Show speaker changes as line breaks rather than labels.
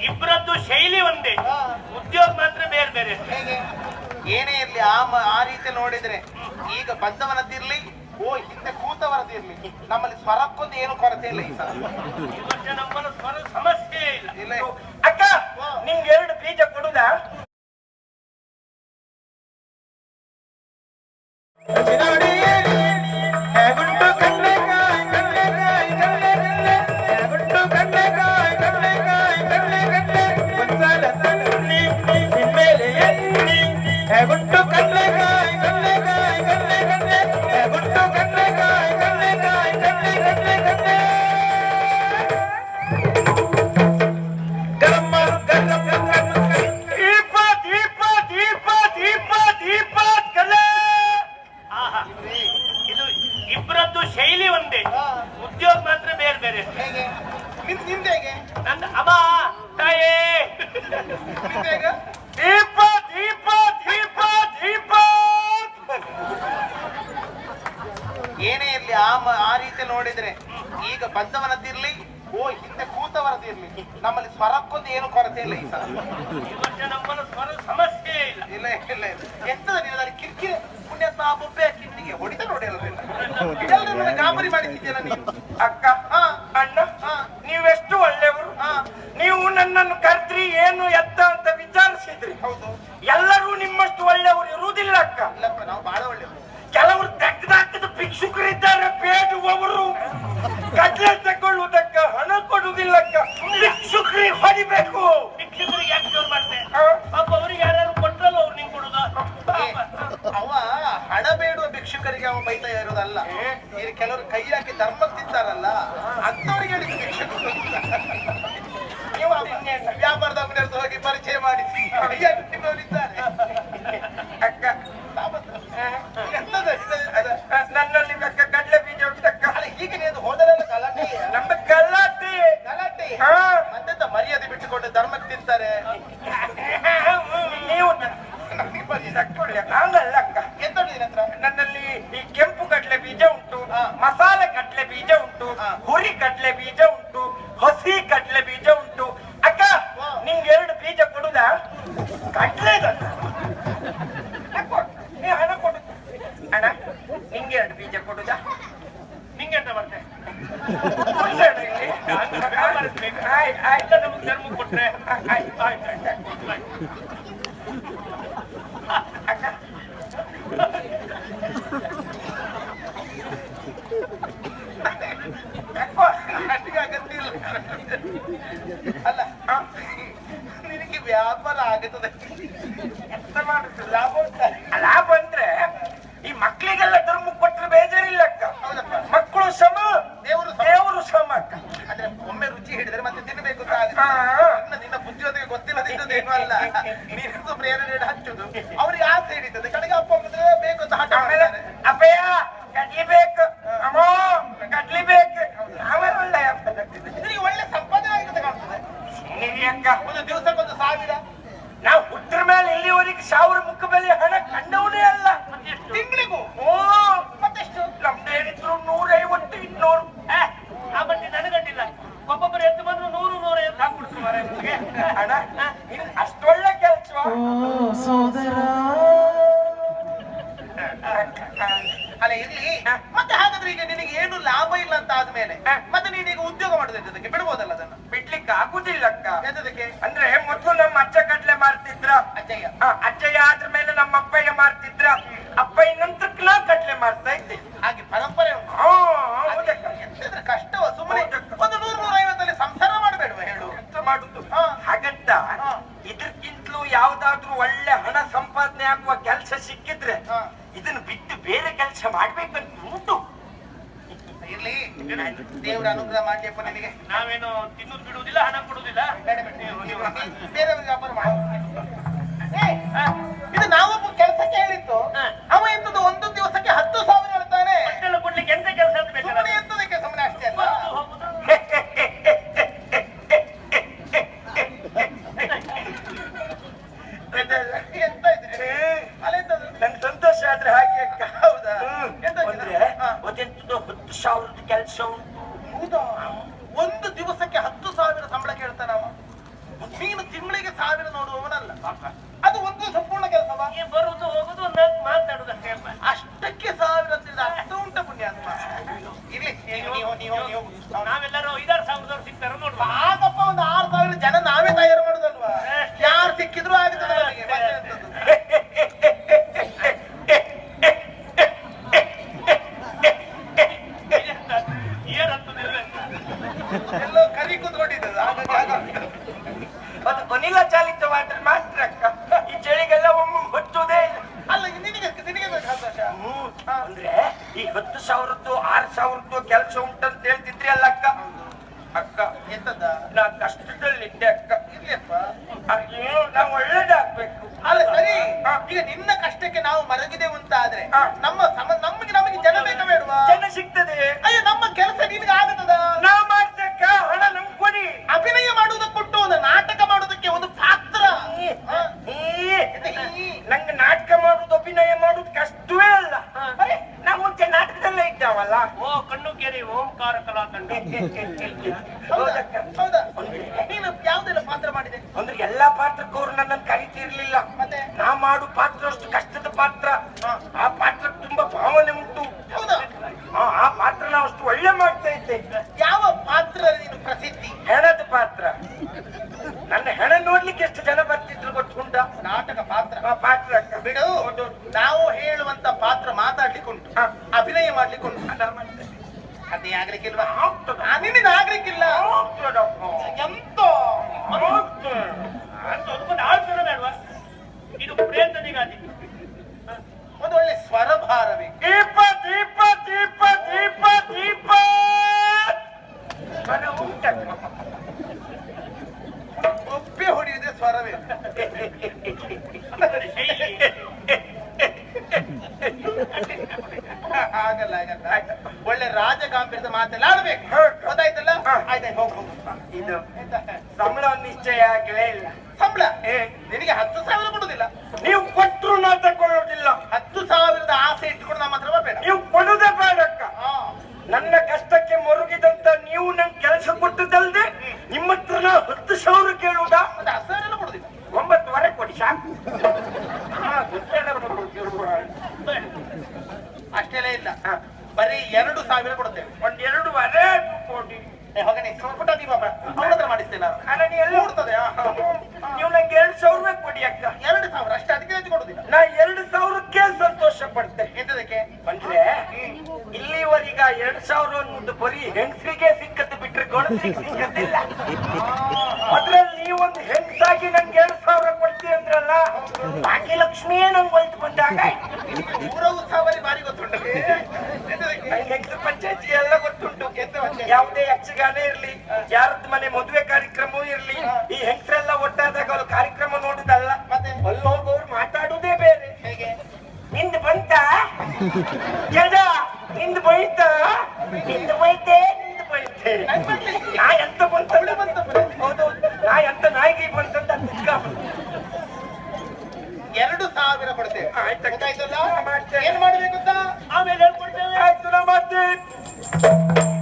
ಇಬ್ಬರದ್ದು ಶೈಲಿ ಒಂದೇ, ಉದ್ಯೋಗ ಮಾತ್ರ ಬೇರೆ ಬೇರೆ.
ಹೇಗೆ ಏನೇ ಇರ್ಲಿ ಆ ರೀತಿ ನೋಡಿದ್ರೆ ಈಗ ಬಂದವನದ್ದಿರ್ಲಿ ಹಿಂದೆ ಕೂತವರದಿರ್ಲಿ ನಮ್ಮಲ್ಲಿ ಸ್ವರಕ್ಕೊಂದು ಏನು ಕೊರತೆ ಇಲ್ಲ. ಈ
ವರ್ಷ ನಮ್ಮಲ್ಲಿ ಸ್ವರ ಸಮಸ್ಯೆ ಇಲ್ಲ.
ಅಕ್ಕ ನಿಮ್ಗೆ 2 ಬೀಜ ಕೊಡುದಾ?
ಇಬ್ಬರದ್ದು ಶೈಲಿ ಒಂದೇ, ಉದ್ಯೋಗ ಮಾತ್ರ ಬೇರೆ ಬೇರೆ.
ಹೇಗೆ ನಿಮ್ದೇಗೆ
ನನ್ನ ಅಮ್ಮ ತಾಯೇ
ದೀಪ ದೀಪ ದೀಪ ದೀಪ.
ಏನೇ ಇರ್ಲಿ ಆ ರೀತಿ ನೋಡಿದ್ರೆ ಈಗ ಬಂದವನದ್ದಿರ್ಲಿ ಹಿಂದೆ ಕೂತವರದಿರ್ಲಿ ನಮ್ಮಲ್ಲಿ ಸ್ವರಕ್ಕೊಂದು ಏನು ಕೊರತೆ ಇಲ್ಲ. ಈ
ವರ್ಷ ನಮ್ಮಲ್ಲಿ ಸ್ವರ ಸಮಸ್ಯೆ ಇಲ್ಲ.
ಇಲ್ಲ ಇಲ್ಲ ಎಂತದ ನೀನು ಕಿರಿಕಿರಿ ಪುಣ್ಯಾತ್ಮ ಬೊಬ್ಬೆ ಹಾಕಿ ನಿನಗೆ ಹೊಡಿತ ನೋಡಿ ಅಲ್ಲ ಗಾಬರಿ ಮಾಡಿದ್ದೀರ ನೀವು.
ಅಕ್ಕ ಅಣ್ಣ ನೀವೆಷ್ಟು ಒಳ್ಳೆಯವರು. ನೀವು ನನ್ನನ್ನು ಕರ್ದ್ರಿ ಏನು ಎತ್ತ ಅಂತ ವಿಚಾರಿಸಿದ್ರಿ.
ಹೌದು,
ಎಲ್ಲರೂ ನಿಮ್ಮಷ್ಟು ಒಳ್ಳೆಯವರು ಇರುವುದಿಲ್ಲ ಅಕ್ಕ.
ಇಲ್ಲಪ್ಪ ನಾವು ಬಹಳ ಒಳ್ಳೆಯವರು.
ಕೆಲವರು ತೆಗೆದಾಕಿದ ಭಿಕ್ಷುಕರಿದ್ದಾರೆ, ಬೇಡುವವರು ಕಡ್ಲೆ ತಗೊಳ್ಳುವುದಕ್ಕ ಹಣ ಕೊಡುವುದಿಲ್ಲಕ್ಕ. ಭಿಕ್ಷುಕರಿಗೆ ಹೊಡಿಬೇಕು.
ಭಿಕ್ಷುಕರಿಗೆ ಯಾಕೆ ಜೋರ್ ಮಾಡ್ತೆ? ಪಾಪ ಅವ್ರಿಗೆ ಯಾರು ಕೊಟ್ರಲ್ಲ ಅವ್ರು ನಿಂಗೆ ಕೊಡುದ.
ಅವ ಹಣ ಬೇಡುವ ಭಿಕ್ಷುಕರಿಗೆ ಅವ ಬೈತಾ ಇರೋದಲ್ಲ. ಈಗ ಕೆಲವರು ಕೈ ಹಾಕಿ ಧರ್ಮಕ್ಕೆ ತಿಂತಾರಲ್ಲ ಅಂತವರಿಗೆ ಹೇಳಿದ ಭಿಕ್ಷುಕರು. ನೀವು ವ್ಯಾಪಾರದ ಅಂಗಡಿ ಹೋಗಿ ಪರಿಚಯ ಮಾಡಿ ಕೈ ಹಾಕಿ ತಿನ್ನೋರಿದ್ದಾರೆ.
ಅಕ್ಕ ನನ್ನಲ್ಲಿ ಕಡ್ಲೆ ಬೀಜ ಉಂಟಕ್ಕ.
ಹೀಗೆ ನೀವು ಹೋದರೆಲ್ಲ ಗಲಾಟೆ
ನಮ್ಮ ಗಲಾಟೆ
ಗಲಾಟೆ ಮತ್ತೆಂತ ಮರ್ಯಾದೆ ಬಿಟ್ಟುಕೊಂಡು ಧರ್ಮಕ್ಕೆ ತಿಂತಾರೆ.
ನೀವು ಹಂಗಲ್ಲ ಅಕ್ಕ.
ಎಂತ ಹತ್ರ
ನನ್ನಲ್ಲಿ ಈ ಕೆಂಪು ಕಡ್ಲೆ ಬೀಜ ಉಂಟು, ಮಸಾಲೆ ಕಡ್ಲೆ ಬೀಜ ಉಂಟು, ಹುರಿ ಕಡ್ಲೆ ಬೀಜ ಉಂಟು, ಹಸಿ ಕಡ್ಲೆ ಬೀಜ ಉಂಟು. ಅಕ್ಕ ನಿಮ್ಗೆ 2 ಬೀಜ ಕೊಡುದಾ? ಕಡ್ಲೆ ಹಣ ಕೊಡು ಅಣ್ಣ. ನಿಂಗೆ 2 ಬೀಜ ಕೊಡುದಾ?
ನಿಂಗೆ ಎಂತ ಮಾಡ್ತೆ?
ಆಯ್ತು
ನಮ್ಗೆ ಧರ್ಮ ಕೊಟ್ರೆ
ಅಕ್ಕ
ಅಗತ್ಯ ಇಲ್ಲ. ಅಲ್ಲ ನಿನಗೆ ವ್ಯಾಪಾರ ಆಗುತ್ತದೆ.
ಎಂತ ಮಾಡುದು? ಲಾಭ ಉಂಟಲ್ಲ? ಲಾಭ ಅಂದ್ರೆ ಈ ಮಕ್ಕಳಿಗೆಲ್ಲ ಧರ್ಮ ಕೊಟ್ಟರೆ ಬೇಜಾರಿಲ್ಲ ಅಕ್ಕ.
ಹೌದಪ್ಪ,
ಮಕ್ಕಳು ಸಮ,
ದೇವರು
ಸಮ ಅಕ್ಕ.
ಆದ್ರೆ ಒಮ್ಮೆ ರುಚಿ ಹಿಡಿದ್ರೆ ಮತ್ತೆ ತಿನ್ನಬೇಕು ನಿನ್ನ ಬುದ್ಧಿಯೋದಕ್ಕೆ ಗೊತ್ತಿಲ್ಲದಿದ್ದೇನು ಅಲ್ಲ. ನೀನು ಪ್ರೇರಣೆ ಹಚ್ಚುದು ಅವ್ರಿಗೆ ಆಸೆ ಹಿಡಿತದೆ. ಕಡೆಗೆ ಅಪ್ಪ ಅಮ್ಮಂದ್ರೆ ಬೇಕು ಅಂತ ಹಠ ಮಾಡಿದ್ದಾರೆ.
ಅಪ್ಪಯ್ಯ ಕಡ್ಲಿಬೇಕು, ಅಮ್ಮೋ ಕಡ್ಲಿಬೇಕು. ಆಮೇಲೆ ಒಳ್ಳೆ
ನಿನಗೆ ಒಳ್ಳೆ ಸಂಪಾದನೆ ಆಗುತ್ತೆ ಕಾಣ್ತದೆ.
ಅಕ್ಕ
ಒಂದು ದಿವಸಕ್ಕೊಂದು 1000.
ನಾವು ಹುಟ್ಟರ ಮೇಲೆ ಇಲ್ಲಿವರೆಗೆ 1000 ಮುಖ ಬೆಲೆ ಹಣ ಕಂಡವನೇ ಅಲ್ಲ.
ತಿಂಗಳಿಗೂ ಮತ್ತೆಷ್ಟು?
ನಮ್ದೇನಿದ್ರು 150 200.
ಆ ಬಟ್ಟಿ ನನಗಡ್ಡಿಲ್ಲ. ಒಬ್ಬೊಬ್ಬರು ಎದ್ದು ಬಂದ್ರು 100 150 ಹಾಕ್ಬಿಡ್ತಾರೆ.
ಅಣ್ಣ ಅಷ್ಟೊಳ್ಳೆ ಕೆಲಸ
ಅಲ್ಲ ಇರ್ಲಿ. ಮತ್ತೆ ಹಾಗಾದ್ರೆ ಈಗ ನಿನಗೆ ಏನು ಲಾಭ ಇಲ್ಲ ಅಂತ ಆದ್ಮೇಲೆ ಮತ್ತೆ ನೀನೀಗ ಉದ್ಯೋಗ ಮಾಡೋದಕ್ಕೆ ಬಿಡ್ಬೋದಲ್ಲ? ಅದನ್ನ
ಬಿಡ್ಲಿಕ್ಕೆ ಆಗುದಿಲ್ಲ ಅಕ್ಕ.
ಎಂತದಕ್ಕೆ?
ಅಂದ್ರೆ ಮೊದಲು ನಮ್ಮ ಅಜ್ಜ ಕಡ್ಲೆ ಮಾರ್ತಿದ್ರ,
ಅಜ್ಜಯ್ಯ.
ಅಜ್ಜಯ್ಯ ಆದ್ರ ಮೇಲೆ ನಮ್ಮ ಅಪ್ಪಯ್ಯ ಮಾರ್ತಿದ್ರ, ಅಪ್ಪಯ್ಯ ನಂತರಕ್ಕೆ ನಾ ಕಡ್ಲೆ ಮಾರ್ತಾ ಇದ್ದೆ.
ಹಾಗೆ ಪರಂಪರೆ ಉಂಟು. ಎಂತಂದ್ರೆ ಕಷ್ಟವ ಸುಮ್ಮನೆ ಒಂದು 100-150 ಸಂಸಾರ ಮಾಡಬೇಡುವ ಹೇಳು.
ಎಂತ ಮಾಡುದು? ಹಾಗಂತ ಇದಕ್ಕಿಂತಲೂ ಯಾವ್ದಾದ್ರು ಒಳ್ಳೆ ಹಣ ಸಂಪಾದನೆ ಆಗುವ ಕೆಲಸ ಸಿಕ್ಕಿದ್ರೆ ಇದನ್ನು ಬಿಟ್ಟು ಬೇರೆ ಕೆಲಸ ಮಾಡ್ಬೇಕಂತ ಉಂಟು.
ಇರ್ಲಿ, ದೇವ್ರ ಅನುಗ್ರಹ ಮಾಡ್ಲಿಯಪ್ಪ ನಿನಗೆ.
ನಾವೇನು ತಿನ್ನೋದು ಬಿಡುವುದಿಲ್ಲ, ಹಣ ಕೊಡುವುದಿಲ್ಲ.
ಬೇರೆ ವ್ಯಾಪಾರ ಮಾಡ. ಇದು ನಾವೊಬ್ಬ ಕೆಲಸಕ್ಕೆ ಹೇಳಿತ್ತು. ಅವ ಎಂತದ್ದು ಒಂದು ದಿವಸಕ್ಕೆ 10,000 ಹೇಳ್ತಾನೆ.
ಕೊಡ್ಲಿಕ್ಕೆ ಎಂತ ಕೆಲಸ ಅಂತ ಬೇಕು?
ಎಂತದಕ್ಕೆ ಸುಮ್ಮನೆ ಅಷ್ಟೇ ಅಲ್ಲ. ಎಂತ ಇದ್ರೆ
ನನ್ ಸಂತೋಷ ಆದ್ರೆ ಹಾಗೆ ಅಕ್ಕ.
ಹೌದಾ? ಎಂತ
ಅಂದ್ರೆ ಅದೆಂತದ್ದು 10,000 ಕೆಲಸ ಉಂಟು.
ಹೌದಾ? ಒಂದು ದಿವಸಕ್ಕೆ 10,000 ಸಂಬಳ ಕೇಳ್ತಾನ ಅವ. ಅದು ಒಂದು ಸಂಪೂರ್ಣ ಕೆಲಸವಾ?
ಈ ಬರುದು ಹೋಗುದು ಒಂದು ನಾಲ್ಕು ಮಾತಾಡುದಷ್ಟೇ ಅಪ್ಪ.
ಅಷ್ಟಕ್ಕೆ 1000 ಅಂತಿಲ್ಲ, ಅರ್ಥ ಉಂಟ ಪುಣ್ಯಾತ್ಮ. ಇರ್ಲಿ, ನೀವು
ನಾವೆಲ್ಲರೂ 5,000 ಸಿಗ್ತಾರ ನೋಡುವ.
ಆಗಪ್ಪ, ಒಂದು 6,000 ಜನ ನಾವೇ ತಯಾರು ಮಾಡುದಲ್ವಾ? ಯಾರು ಸಿಕ್ಕಿದ್ರು ಆಗುತ್ತದೆ ನಮಗೆ. ಮತ್ತೆ ಎಂತದ್ದು? ಎಲ್ಲೋ ಕರಿ ಕೂತ್ಕೊಂಡಿದ್ದದು, ಹಾಗಾಗಿ
ಅದು ಅನಿಲ ಚಾಲಿತವಾದ್ರೆ ಮಾತ್ರ ಅಕ್ಕ. ಈ ಚಳಿಗೆಲ್ಲ ಒಮ್ಮೆ ಹೊಚ್ಚುವುದೇ ಇಲ್ಲ.
ಅಲ್ಲ, ನಿನಗೆ ಬೇಕು ಸಂತೋಷ.
ಅಂದ್ರೆ ಈ 10,000 6,000 ಕೆಲಸ ಉಂಟಂತ ಹೇಳ್ತಿದ್ರಿ ಅಲ್ಲ ಅಕ್ಕ. ಅಕ್ಕ
ಎಂತದ?
ನಾ ಕಷ್ಟದಲ್ಲಿದ್ದೆ ಅಕ್ಕ.
ಇರ್ಲಿಯಪ್ಪ.
ಅಯ್ಯೋ, ನಾವು ಒಳ್ಳೇದಾಗ್ಬೇಕು.
ಅಲ್ಲ ಸರಿ, ಈಗ ನಿನ್ನ ಕಷ್ಟಕ್ಕೆ ನಾವು ಮರಗಿದೆವು ಅಂತ ಆದ್ರೆ ನಮಗೆ ಜನ ಬೇಕಾ ಬೇಡವಾ?
ಜನ ಸಿಗ್ತದೆ.
ಅಯ್ಯೋ, ನಮ್ಮ ಕೆಲಸ ನಿನ್ಗೆ ಆಗತ್ತದ?
ನಾ ಮಾಡ್ತಕ್ಕ, ಹಣ ನಮ್ಗೆ ಕೊಡಿ.
ಅಭಿನಯ ಮಾಡುವುದಕ್ಕೆ ಕೊಟ್ಟು ಒಂದು ನಾಟಕ ಮಾಡುವುದಕ್ಕೆ ಒಂದು ಪಾತ್ರ.
ನಂಗೆ ನಾಟಕ ಮಾಡುದು ಅಭಿನಯ ಮಾಡುದು ಕಷ್ಟವೇ ಅಲ್ಲ. ನಾವು ಮುಂಚೆ ನಾಟಕದಲ್ಲೇ ಇದ್ದಾವಲ್ಲ.
ಓ ಕಣ್ಣು ಕೆರೆ ಓಂಕಾರ ಕಲಾ ತಂಡ.
ಹೌದಕ್ಕ.
ಹೌದಾ? ನೀನು ಯಾವ್ದೆಲ್ಲ ಪಾತ್ರ ಮಾಡಿದೆ?
ಅಂದ್ರೆ ಎಲ್ಲಾ ಪಾತ್ರಕ್ಕೂ ಅವ್ರು ನನ್ನನ್ನು ಕರೀತಿರ್ಲಿಲ್ಲ.
ಮತ್ತೆ
ನಾ ಮಾಡು ಪಾತ್ರ ಅಷ್ಟು ಕಷ್ಟದ ಪಾತ್ರ. ಆ ಪಾತ್ರ ತುಂಬಾ ಭಾವನೆ ಉಂಟು.
ಹೌದಾ?
ಆ ಪಾತ್ರ ನಾವು ಅಷ್ಟು ಒಳ್ಳೆ ಮಾಡ್ತಾ ಇದ್ದೆ.
ಯಾವ ಪಾತ್ರ ನೀನು ಪ್ರಸಿದ್ಧಿ?
ಹೆಣದ ಪಾತ್ರ. ನನ್ನ ಹೆಣ ನೋಡ್ಲಿಕ್ಕೆ ಎಷ್ಟು ಜನ ಬರ್ತಿದ್ರು ಗೊತ್ತುಂಟ?
ನಾಟಕ ಪಾತ್ರ.
ಆ ಪಾತ್ರ ಅಕ್ಕ.
ಬಿಡು, ನಾವು ಹೇಳುವಂತ ಪಾತ್ರ ಮಾತಾಡ್ಲಿಕ್ಕೆ ಉಂಟು, ಅಭಿನಯ ಮಾಡ್ಲಿಕ್ಕೆ ಉಂಟು. ಅದೇ ಆಗ್ಲಿಕ್ಕಿಲ್ವಾ? ನಿನ್ನಿಂದ ಆಗ್ಲಿಕ್ಕಿಲ್ಲ. ಎಂತ
ಅಂತ ಅದಕ್ಕೊಂದು ಆಳ್ತನ ಬೇಡವಾ? ಇದು ಪ್ರಯತ್ನನಿಗಾದಿ.
ಒಂದು ಒಳ್ಳೆ ಸ್ವರಭಾರವೇ.
ದೀಪ ದೀಪ ದೀಪ ದೀಪ ದೀಪ
ಒಪ್ಪೆ ಹೊಡೆಯುವುದೇ ಸ್ವರವೇ. ಆಗಲ್ಲ ಆಗಲ್ಲ. ಒಳ್ಳೆ ರಾಜಗಾಂಭೀರ್ಯದ ಮಾತೆಲ್ಲ ಆಡ್ಬೇಕು. ಗೊತ್ತಾಯ್ತಲ್ಲ? ಆಯ್ತಾಯ್ತು, ಹೋಗು.
ಇದು ಸಂಬಳ ನಿಶ್ಚಯ ಆಗಲೇ ಇಲ್ಲ.
ಸಂಬಳ ನಿನಗೆ 10,000 ಕೊಡುದಿಲ್ಲ.
ನೀವು ಕೊಟ್ಟರು ನಾ ತಗೊಳ್ಳೋದಿಲ್ಲ.
10,000 ಆಸೆ ಇಟ್ಕೊಂಡು ನಮ್ಮ ಹತ್ರ ಬರಬೇಡ.
ನೀವು ಕೊಡುದೇ ಬೇಡಕ್ಕ. ನನ್ನ ಕಷ್ಟಕ್ಕೆ ಮರುಗಿದಂತ ನೀವು ನಂಗೆ ಕೆಲಸ ಕೊಟ್ಟದಲ್ದೆ ನಿಮ್ಮ ಹತ್ರ ನಾ 10,000 ಕೇಳುವುದಾ?
ಮತ್ತೆ 10,000 ಕೊಡುದಿಲ್ಲ.
9,500 ಕೊಡಿ ಸಾಕು.
ಅಷ್ಟೆಲ್ಲ ಇಲ್ಲ, ಬರೀ 2,000 ಕೊಡುತ್ತೇವೆ.
1,2,500 ಕೊಡಿ.
ಹೋಗನೆ ಪುಟ್ಟ ದೀಪ ಅವನ ಹತ್ರ ಮಾಡಿಸ್ತೇನೆ ನಾನು.
ಅಲ್ಲ, ನೀ ಎಲ್ಲ
ಕೊಡ್ತದೆ.
ನೀವು ನಂಗೆ 2,000 ಕೊಡಿ ಅಕ್ಕ.
2,000 ಅಷ್ಟೇ, ಅದಕ್ಕೆ ಹೆಚ್ಚು ಕೊಡುದಿಲ್ಲ.
ನಾ 2,000ಕ್ಕೆ ಸಂತೋಷ ಪಡ್ತೇನೆ.
ಎಂತದಕ್ಕೆ?
ಅಂದ್ರೆ ಇಲ್ಲಿವರೆಗ 2,000 ಅನ್ನೋದು ಬರೀ ಹೆಂಗಸರಿಗೆ ಸಿಕ್ಕದ್ದು ಬಿಟ್ರೆ ಗಂಡಸರಿಗೆ ಸಿಕ್ಕದಿಲ್ಲ. ಅದ್ರಲ್ಲಿ ನೀವೊಂದು ಹೆಂಗಸಾಗಿ ನಂಗೆ 2,000 ಕೊಡ್ತೀವಿ ಅಂದ್ರಲ್ಲ, ಬಾಕಿ ಲಕ್ಷ್ಮಿಯೇ ನಂಗೆ ಒಲ್ತು ಬಂದಾಗ
ಊರ ಉತ್ಸವಲ್ಲಿ ಬಾರಿ ಗೊತ್ತುಂಟು.
ಹೆಂಗಸ ಪಂಚಾಯತ್ಗೆ ಎಲ್ಲ ಗೊತ್ತುಂಟು. ಯಾವುದೇ ಯಕ್ಷಗಾನ ಇರ್ಲಿ, ಯಾರದ್ದು ಮನೆ ಮದುವೆ ಕಾರ್ಯಕ್ರಮವೂ ಇರ್ಲಿ, ಈ ಹೆಂಗಸರೆಲ್ಲ ಒಟ್ಟಾದಾಗ ಅವ್ರು ಕಾರ್ಯಕ್ರಮ ನೋಡುದಲ್ಲ, ಮತ್ತೆ ಅಲ್ಲಿ ಹೋಗೋರು ಮಾತಾಡುವುದೇ ಬೇರೆ.
ಹೇಗೆ?
ನಿಂದು ಬಂತ ಜಡ, ನಿಂದು ಬೈತ, ನಿಂದು ಬೈತೆ, ನಿಂದು ಬೈತೆ. ನಾ ಎಂತ ಬಂತ? ಹೌದು, ನಾ ಎಂತ ನಾಯಿಗೆ ಬಂತಂತ
2,000 ಕೊಡ್ತೇವೆ.
ಆಯ್ತು,
ಗೊತ್ತಾಯ್ತಲ್ಲ?
ಮಾಡ್ತೇನೆ.
ಏನ್ ಮಾಡ್ಬೇಕು ಅಂತ
ಆಮೇಲೆ ಹೇಳ್ಕೊಡ್ತೇವೆ.
ಆಯ್ತು, ನಾ ಮಾಡ್ತೇನೆ.